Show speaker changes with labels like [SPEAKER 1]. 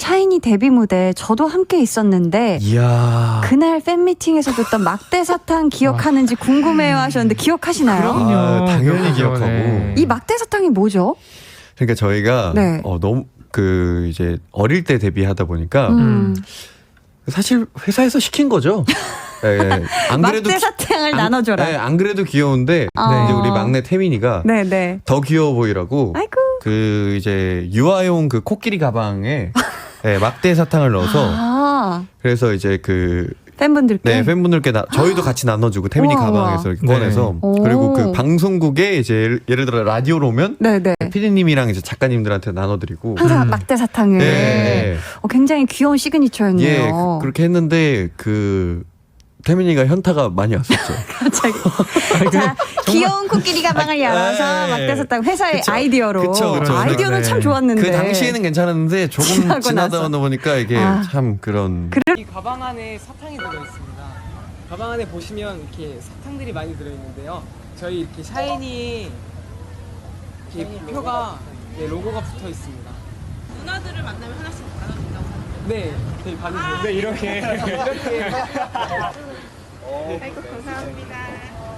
[SPEAKER 1] 샤이니 데뷔 무대 저도 함께 있었는데
[SPEAKER 2] 이야.
[SPEAKER 1] 그날 팬미팅에서 줬던 막대 사탕 기억하는지 궁금해요 하셨는데 기억하시나요?
[SPEAKER 2] 아, 당연히 기억하고.
[SPEAKER 3] 네.
[SPEAKER 1] 이 막대 사탕이 뭐죠?
[SPEAKER 2] 그러니까 저희가
[SPEAKER 1] 네.
[SPEAKER 2] 너무 이제 어릴 때 데뷔하다 보니까 사실 회사에서 시킨 거죠. 네, 안 그래도
[SPEAKER 1] 막대 사탕을 나눠줘라.
[SPEAKER 2] 네, 안 그래도 귀여운데 이제 우리 막내 태민이가
[SPEAKER 1] 네네.
[SPEAKER 2] 더 귀여워 보이라고
[SPEAKER 1] 아이고.
[SPEAKER 2] 그 이제 유아용 그 코끼리 가방에 네, 막대 사탕을 넣어서 그래서 이제 그
[SPEAKER 1] 팬분들께
[SPEAKER 2] 팬분들께 저희도 같이 나눠주고 태민이
[SPEAKER 1] 우와,
[SPEAKER 2] 가방에서 이렇게
[SPEAKER 3] 네.
[SPEAKER 2] 꺼내서
[SPEAKER 1] 오.
[SPEAKER 2] 그리고 그 방송국에 이제 예를 들어 라디오로 오면
[SPEAKER 1] 네네.
[SPEAKER 2] 피디님이랑 이제 작가님들한테 나눠드리고
[SPEAKER 1] 항상 막대 사탕을
[SPEAKER 2] 네.
[SPEAKER 1] 굉장히 귀여운 시그니처였네요.
[SPEAKER 2] 예, 그렇게 했는데 그 태민이가 현타가 많이 왔었죠.
[SPEAKER 1] 갑자기. 자, 귀여운 코끼리 가방을 열어서
[SPEAKER 2] 네.
[SPEAKER 1] 막대 사탕 회사의
[SPEAKER 2] 그쵸.
[SPEAKER 1] 아이디어로.
[SPEAKER 2] 그쵸.
[SPEAKER 1] 아이디어는
[SPEAKER 3] 네.
[SPEAKER 1] 참 좋았는데.
[SPEAKER 2] 그 당시에는 괜찮았는데 조금
[SPEAKER 1] 지나고
[SPEAKER 2] 지나다
[SPEAKER 1] 나서.
[SPEAKER 2] 보니까 이게
[SPEAKER 1] 아.
[SPEAKER 2] 참 그런
[SPEAKER 4] 이 가방 안에 사탕이 들어있습니다. 가방 안에 보시면 이렇게 사탕들이 많이 들어있는데요. 저희 이렇게 샤이니 이렇게 표가 로고가 붙어 있습니다.
[SPEAKER 5] 누나들을 만나면 하나씩 나눠준다고 하는데.
[SPEAKER 4] 네, 저희 받으세요. 네, 이렇게.
[SPEAKER 5] 아이고 감사합니다.